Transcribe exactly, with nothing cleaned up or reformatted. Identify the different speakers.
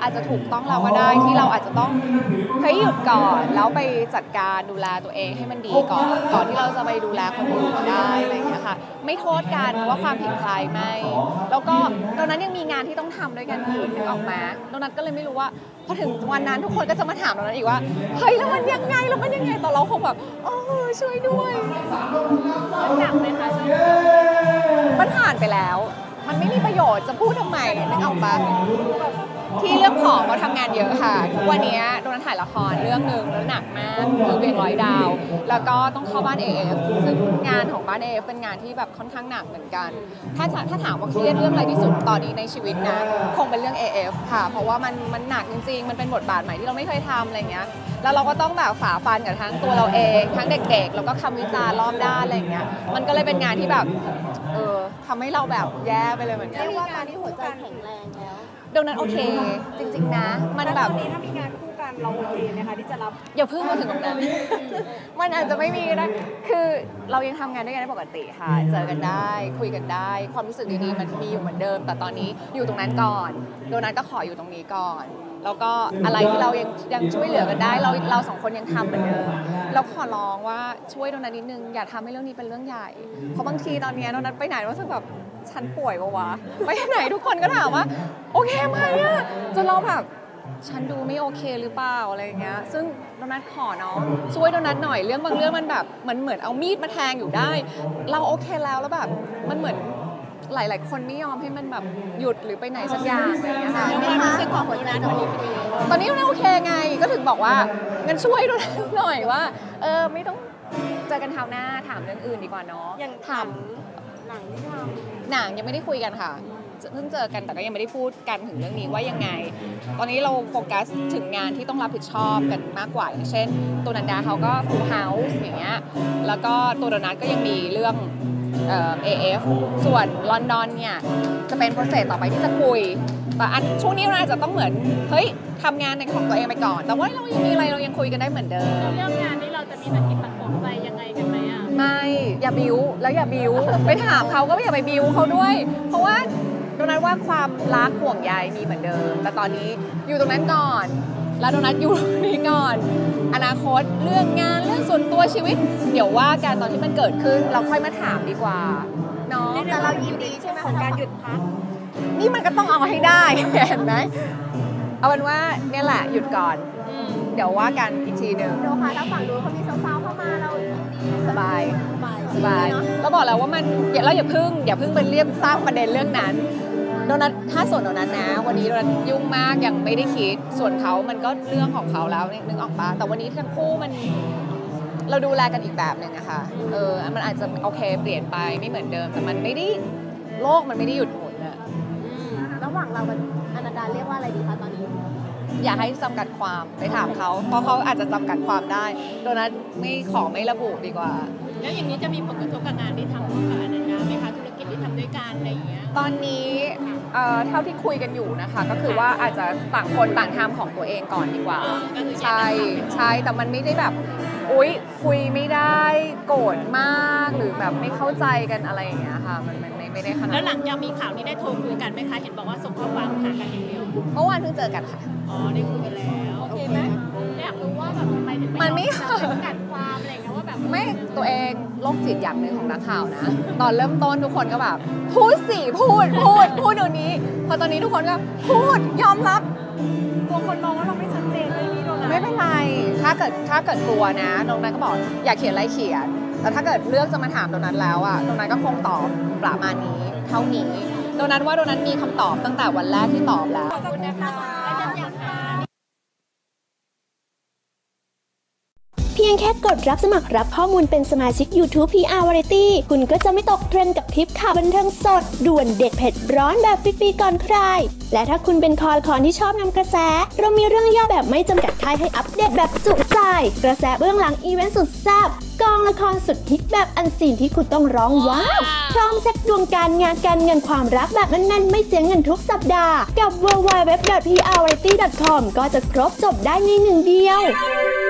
Speaker 1: อาจจะถูกต้องเราก็ได้ที่เราอาจจะต้องเฮ้ยหยุดก่อนแล้วไปจัดการดูแลตัวเองให้มันดีก่อนก่อนที่เราจะไปดูแลคนอื่นได้อะไรอย่างเงี้ยค่ะไม่โทษกันว่าความผิดใครไม่แล้วก็ตอนนั้นยังมีงานที่ต้องทำด้วยกันอีกนึกออกมาโดนัทก็เลยไม่รู้ว่าพอถึงวันนั้นทุกคนก็จะมาถามโดนัทอีกว่าเฮ้ยแล้วมันยังไงแล้วมันยังไงตอนเราคงแบบโอ้ช่วยด้วย
Speaker 2: หนักไหมคะ
Speaker 1: มันผ่านไปแล้วมันไม่มีประโยชน์จะพูดทำไมนึกออกปะที่เรื่องของเราทำงานเยอะค่ะทุกวันนี้โดนถ่ายละครเรื่องหนึ่งแล้วหนักมากคือเวียงร้อยดาวแล้วก็ต้องเข้าบ้าน เอ เอฟ ซึ่งงานของบ้าน เอ เอฟ เป็นงานที่แบบค่อนข้างหนักเหมือนกันถ้าถ้าถามว่าเครียดเรื่องอะไรที่สุดตอนนี้ในชีวิตนะคงเป็นเรื่อง เอ เอฟ ค่ะเพราะว่ามันมันหนักจริงๆมันเป็นบทบาทใหม่ที่เราไม่เคยทำอะไรเงี้ยแล้วเราก็ต้องแบบฝ่าฟันกับทั้งตัวเราเองทั้งเด็กๆแล้วก็คำวิจารณ์รอบด้านอะไรเงี้ยมันก็เลยเป็นงานที่แบบเออทำให้เราแบบแย่ไปเลยเหมือนกัน
Speaker 2: เรียกว่าการที่หัวใจแข็งแรงแล้ว
Speaker 1: ดังนั้นโอเคจริงๆนะมันแบบ
Speaker 2: ตอนนี้ถ้ามีงานคู่กันเราโอเคไหมคะที่จะรับ
Speaker 1: อย่าเพิ่งมาถึงตรงนั้นมันอาจจะไม่มีนะคือเรายังทำงานด้วยกันได้ปกติค่ะเจอกันได้คุยกันได้ความรู้สึกดีๆมันมีอยู่เหมือนเดิมแต่ตอนนี้อยู่ตรงนั้นก่อนโดนัทก็ขออยู่ตรงนี้ก่อนแล้วก็อะไรที่เรายังยังช่วยเหลือกันได้เราเราสองคนยังทำเหมือนเดิมเราขอร้องว่าช่วยโดนัทนิดนึงอย่าทำให้เรื่องนี้เป็นเรื่องใหญ่เพราะบางทีตอนนี้โดนัทไปไหนรู้สึกแบบฉันป่วยปะวะไปไหนทุกคนก็ถามว่าโอเคไหมอะจนเราแบบฉันดูไม่โอเคหรือเปล่าอะไรเงี้ยซึ่งโดนัทขอเนาะช่วยโดนัทหน่อยเรื่องบางเรื่องมันแบบมันเหมือนเอามีดมาแทงอยู่ได้เราโอเคแล้วแล้วแบบมันเหมือนหลายๆคนไม่ยอมให้มันแบบหยุดหรือไปไหนสักอย่างอะไรเงี้ยค่ะ
Speaker 2: ความรู้สึกของหัวใจตอนนี้เป็นยังไง
Speaker 1: ตอนนี้โอเคไงก็ถึงบอกว่างั้นช่วยโดนัทหน่อยว่าเออไม่ต้องเจอกันคราวหน้าถามเรื่องอื่นดีกว่าเนาะ
Speaker 2: ยังถามหนังที่ท
Speaker 1: ำหนังยังไม่ได้คุยกันค่ะเพิ่งเจอกันแต่ก็ยังไม่ได้พูดกันถึงเรื่องนี้ว่ายังไงตอนนี้เราโฟกัสถึงงานที่ต้องรับผิดชอบกันมากกว่าอย่างเช่นตัวนันดาเขาก็ฟูลเฮาส์อย่างเงี้ยแล้วก็ตัวโดนัทก็ยังมีเรื่องเอ่อ เอ เอฟ ส่วนลอนดอนเนี่ยจะเป็นโปรเซสต่อไปที่จะคุยแต่อันช่วงนี้เราอาจจะต้องเหมือนเฮ้ยทำงานในของตัวเองไปก่อนแต่ว่าเรายังมีอะไรเรายังคุยกันได้เหมือนเดิม
Speaker 2: เรื่องงานนี้เราจะมีตะกิดตะขวงใจยังไงกันไหมอ่ะ
Speaker 1: ไม่อย่าบิ้วแล้วอย่าบิ้วไปถามเขาก็อย่าไปบิ้วเขาด้วยเพราะว่าโดนัทว่าความรักห่วงใยมีเหมือนเดิมแต่ตอนนี้อยู่ตรงนั้นก่อนแล้วโดนัทอยู่ตรงนี้ก่อนอนาคตเรื่องงานเรื่องส่วนตัวชีวิตเดี๋ยวว่ากันตอนที่มันเกิดขึ้นเราค่อยมาถามดีกว่าเนาะ
Speaker 2: แต่เรายินดีใช่ไหมของการหยุดพัก
Speaker 1: นี่มันก็ต้องเอาให้ได้เห็นไหมเอาเป็นว่าเนี่ยแหละหยุดก่อนเดี๋ยวว่ากันอีกทีหนึ่ง
Speaker 2: เดี๋ยวค่ะถ้าฝั่งนู้นเขามีสาวๆเข้ามาเรา
Speaker 1: สบายสบายเราบอกแล้วว่ามันเราอย่าพึ่งอย่าพึ่งเป็นเรียบสร้างประเด็นเรื่องนั้นโดนัทถ้าส่วนโดนัทนะวันนี้โดนัทยุ่งมากยังไม่ได้คิดส่วนเขามันก็เรื่องของเขาแล้วนึกออกปะแต่วันนี้ทั้งคู่มันเราดูแลกันอีกแบบหนึ่งอะค่ะเออมันอาจจะโอเคเปลี่ยนไปไม่เหมือนเดิมแต่มันไม่ได้โลกมันไม่ได้หยุดหมุนอะ
Speaker 2: ระหว่างเรากับอนันดาเรียกว่าอะไรดีคะตอนนี้
Speaker 1: อย่าให้จำกัดความไปถามเขาเพราะเขาอาจจะจำกัดความได้โดนัทไม่ขอไม่ระบุดีกว่า
Speaker 2: แล้วอย่างนี้จะมีผลกระทบกับงานที่ทำร่วมกับอนันดาไหมคะธุรกิจที่ทำด้วยกันอะไรอย่างเงี้ย
Speaker 1: ตอนนี้เท่าที่คุยกันอยู่นะคะก็คือว่าอาจจะต่างคนต่างทำของตัวเองก่อนดีกว่าใช่ใช่แต่มันไม่ได้แบบอุ๊ยคุยไม่ได้โกรธมากหรือแบบไม่เข้าใจกันอะไรอย่างเงี้ยค่ะมันไม่ไม่ได้ขนาด
Speaker 2: แล้วหลังจากมีข่าวนี้ได้โทรคุยกันไหมคะเห็นบอกว่าส่งข้อความหากันอย่างเดียว
Speaker 1: เมื่อวานเพิ่งเจอกันค่ะ
Speaker 2: อ๋อได้คุยกันแล้วโอเคไหมอยากรู้ว่าแบบทำไมถึง
Speaker 1: มันไม่
Speaker 2: จำกัดความอะไรเงี้ยว่าแบบ
Speaker 1: ไม่ตัวเองโรคจิตอย่างหนึ่งของนักข่าวนะตอนเริ่มต้นทุกคนก็แบบพูดสิพูดพูดพูดเดี๋ยวนี้พอตอนนี้ทุกคนก็พูดยอมรับ
Speaker 2: กลัวคนมองว่าเราไม่ชัดเจนเลยนี่โดน
Speaker 1: ไม่เป็นไรถ้าเกิดถ้าเกิดกลัวนะตรงนั้นก็บอกอยากเขียนอะไรเขียนแต่ถ้าเกิดเลือกจะมาถามตรงนั้นแล้วอะตรงนั้นก็คงตอบประมาณนี้เท่านี้โดนัทว่าโดนัทมีคำตอบตั้งแต่วันแรกที่ตอบแล้ว
Speaker 2: ขอบคุณนะคะ
Speaker 3: เพียงแค่กดรับสมัครรับข้อมูลเป็นสมาชิก YouTube พี อาร์ Variety คุณก็จะไม่ตกเทรนด์กับคลิปข่าวบันเทิงสดด่วนเด็ดเผ็ดร้อนแบบฟรีๆก่อนใครและถ้าคุณเป็นคอคอนที่ชอบนำกระแสเรามีเรื่องย่อแบบไม่จำกัดค่ายให้อัปเดตแบบจุใจกระแสเบื้องหลังอีเวนต์สุดแซ่บกองละครสุดฮิตแบบอันซีนที่คุณต้องร้องว้าวพร้อมเช็คดวงการงานการเงินความรักแบบแน่นๆไม่เสียเงินทุกสัปดาห์กับ ดับเบิลยู ดับเบิลยู ดับเบิลยู ดอท พี อาร์ วาไรตี้ ดอท คอม ก็จะครบจบได้ในหนึ่งเดียว